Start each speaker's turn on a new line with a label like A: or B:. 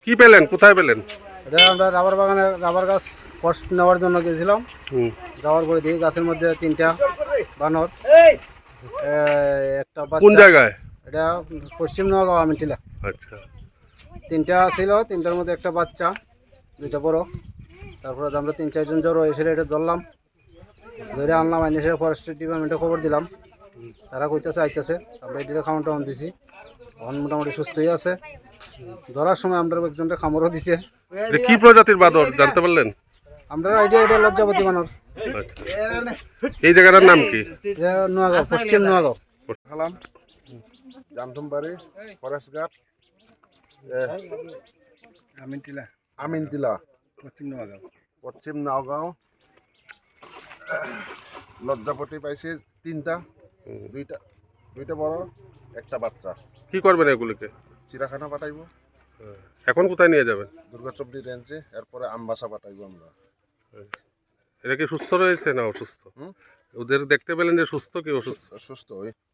A: কি পেলেন, কোথায় পেলেন?
B: এটা আমরা রাবার বাগানে রাবার গাছ কষ্ট নেওয়ার জন্য গেছিলাম। যাওয়ার পরে দেখি গাছের মধ্যে 3টা বানর, একটা
A: কোন
B: বাচ্চা।
A: জায়গায়?
B: এটা পশ্চিম নোয়াগাঁও আমিনটিলা।
A: আচ্ছা,
B: 3টা ছিল, 3টার মধ্যে একটা বাচ্চা, 2টা বড়। তারপরে আমরা 3-4 জন জড়ো এসে এটা ধরলাম, ধরে আনলাম, এনে এসে ফরেস্ট ডিপার্টমেন্টে খবর দিলাম। তারা কইতেছে আইতেছে, আমরা এটিকে খাওয়ান টাউন দিছি, এখন মোটামুটি সুস্থই আছে। ধরার সময় আমরা একজনটা খামরও দিছে।
A: এটা কি প্রজাতির বাদর জানতে পারলেন?
B: আমরা আইডিয়া এটা লজ্জাপতি বানর।
A: আচ্ছা, এই জায়গাটার নাম কি?
B: এটা নোয়াগাঁও, পশ্চিম নোয়াগাঁও।
C: হালাম জামথমবাড়ি ফরেস্ট গার্ড আমিনতিলা পশ্চিম নওগাঁও। লজ্জাপতি পাইছি 3টা, দুইটা বড়, একটা বাচ্চা।
A: কি করবেন এগুলিকে?
C: চিড়াখানা পাঠাইব,
A: এখন কোথায় নিয়ে যাবেন?
C: দুর্গাচবড়ি রেঞ্জে, এরপরে আমবাসা পাঠাইব আমরা।
A: এরা কি সুস্থ রয়েছে না অসুস্থ? ওদের দেখতে পেলেন যে সুস্থ কি অসুস্থ?
C: সুস্থ হই।